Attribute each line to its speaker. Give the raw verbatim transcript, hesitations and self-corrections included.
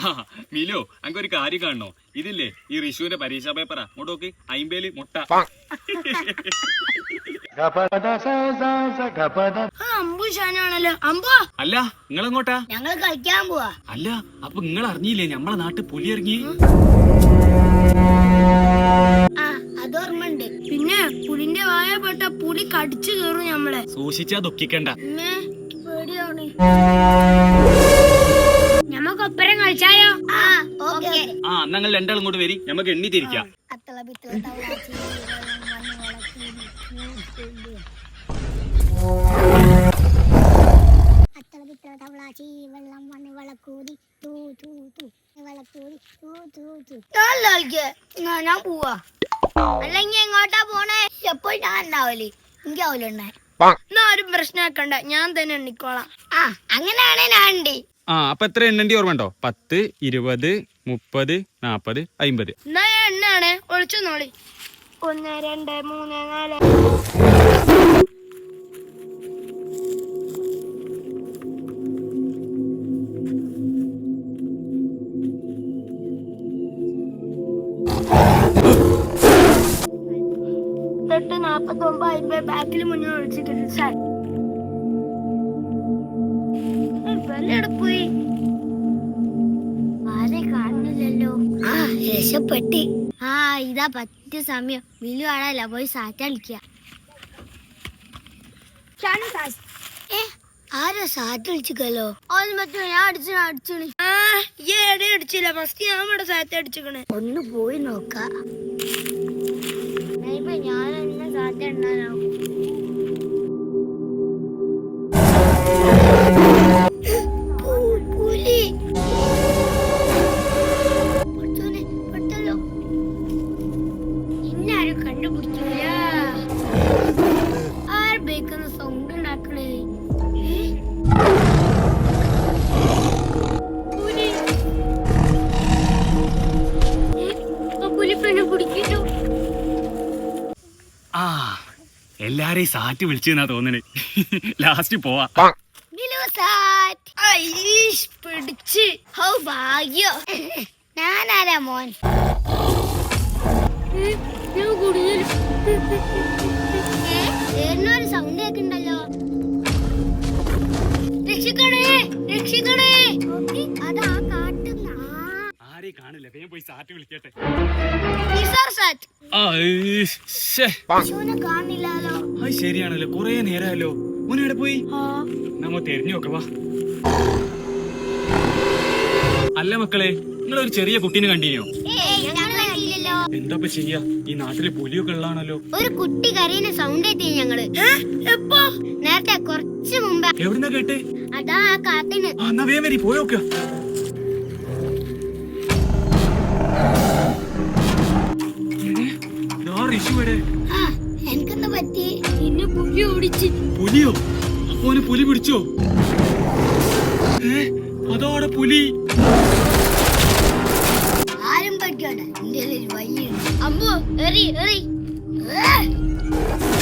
Speaker 1: Milo അങ്ങ് ഒരു കാര്യം കാണണോ? ഇതില്ലേ ഈ റിഷുവിന്റെ പരീക്ഷാ പേപ്പറാ. അങ്ങോട്ട് നോക്ക്, അയിമ്പേല് മുട്ട. അല്ല നിങ്ങളെങ്ങോട്ടാ?
Speaker 2: ഞങ്ങൾ കളിക്കാൻ പോവാ.
Speaker 1: അല്ല അപ്പൊ നിങ്ങൾ അറിഞ്ഞില്ലേ നമ്മളെ നാട്ടിൽ പുലി ഇറങ്ങി?
Speaker 2: ആ അതോർമ്മണ്ട്. പിന്നെ പുലിന്റെ വായ പെട്ട പുലി കടിച്ചു കയറും നമ്മളെ.
Speaker 1: സൂക്ഷിച്ചാ ദുഃഖിക്കണ്ട.
Speaker 2: പേടിയാണ്. ഞമ്മക്കൊപ്പരം കളിച്ചായോ? ആ ഓക്കെ.
Speaker 1: ആ ഞങ്ങൾ രണ്ടാളും ഇങ്ങോട്ട് വരി, നമുക്ക് എണ്ണി തിരിക്കാം.
Speaker 2: ഞാൻ പോവാ. അല്ലെങ്കി എങ്ങോട്ടാ പോണേ? എപ്പോഴും ഞാൻ ഉണ്ടാവല്ലേ, എനിക്കാവൂലുണ്ടേ. എന്നാ ആരും പ്രശ്നമാക്കണ്ട, ഞാൻ തന്നെ എണ്ണിക്കോളാം. ആ അങ്ങനെയാണേ ഞാൻ ഉണ്ട്.
Speaker 1: ആ അപ്പൊ എത്ര എണ്ണണ്ടി ഓർമ്മണ്ടോ? പത്ത്, ഇരുപത്, മുപ്പത്, നാപ്പത്, അയിമ്പത്.
Speaker 2: എന്നാ ഞാൻ എണ്ണാണേ, ഒളിച്ചു നോളി. ഒന്ന് രണ്ട് മൂന്ന് നാല്. എട്ട് നാപ്പത്തി ഒമ്പത് അമ്പത് ബാക്കിൽ മുന്നേ ഒളിച്ചിട്ടുണ്ട് സാർ. പോയി ആരെ കാണുന്നില്ലല്ലോ. ആ രക്ഷപ്പെട്ടി. ആ ഇതാ പറ്റിയ സമയം. മിലു ആടല്ല, പോയി സാറ്റ് കളിക്ക. ആരാ സാറ്റ് കളിച്ചിക്കല്ലോ? ഞാൻ അടിച്ചു അടിച്ചു അടിച്ചില്ല. ഫസ്റ്റ് ഞാൻ ഇവിടെ സാറ്റ് അടിച്ചിക്കണേ. ഒന്ന് പോയി നോക്കാം. ഞാൻ എന്നെ സാറ്റ് എണ്ണാനാവും.
Speaker 1: ആ എല്ലാരെയും സാറ്റ് വിളിച്ചെന്നാ തോന്നണേ. ലാസ്റ്റ് പോവാ.
Speaker 2: പിടിച്ച് ഭാഗ്യോ. ഞാനാരാ മോൻ? ഒരു സൗണ്ട് കേൾക്കണ്ടല്ലോ. രക്ഷിക്കണേ രക്ഷിക്കണേ. അതാ കാട്ടുന്ന
Speaker 1: ആരെയും കാണില്ല, വേഗം പോയി സാറ്റ് വിളിക്കട്ടെ.
Speaker 2: കാണില്ലല്ലോ.
Speaker 1: അത് ശരിയാണല്ലോ, കൊറേ നേരമല്ലോ. മോനെവിടെ പോയി? നമ്മ തെരഞ്ഞു നോക്കവാ. അല്ല മക്കളെ, നിങ്ങളൊരു ചെറിയ കുട്ടീനെ കണ്ടീനോ? എന്താ ചെയ്യാ, ഈ നാട്ടില് പുലിയൊക്കെ ഉള്ളതാണല്ലോ.
Speaker 2: ഒരു കുട്ടി കരയുന്ന സൗണ്ട് എത്തി ഞങ്ങള്. എപ്പോ? നേരത്തെ കുറച്ച് മുമ്പ്.
Speaker 1: എവിടുന്നാ കേട്ടെ?
Speaker 2: അതാ കാട്ടിന്.
Speaker 1: എന്നാ വേഗം വരി, പോയോക്ക.
Speaker 2: എനിക്കെന്താ പറ്റി? ഇന്ന് പുലി ഓടിച്ച്.
Speaker 1: പുലിയോ? അപ്പോന് പുലി പിടിച്ചോ? അതോടെ പുലി.
Speaker 2: ആരും പറ്റാണ്. എന്റെ വയ്യ. അമ്മോ എറി എറി.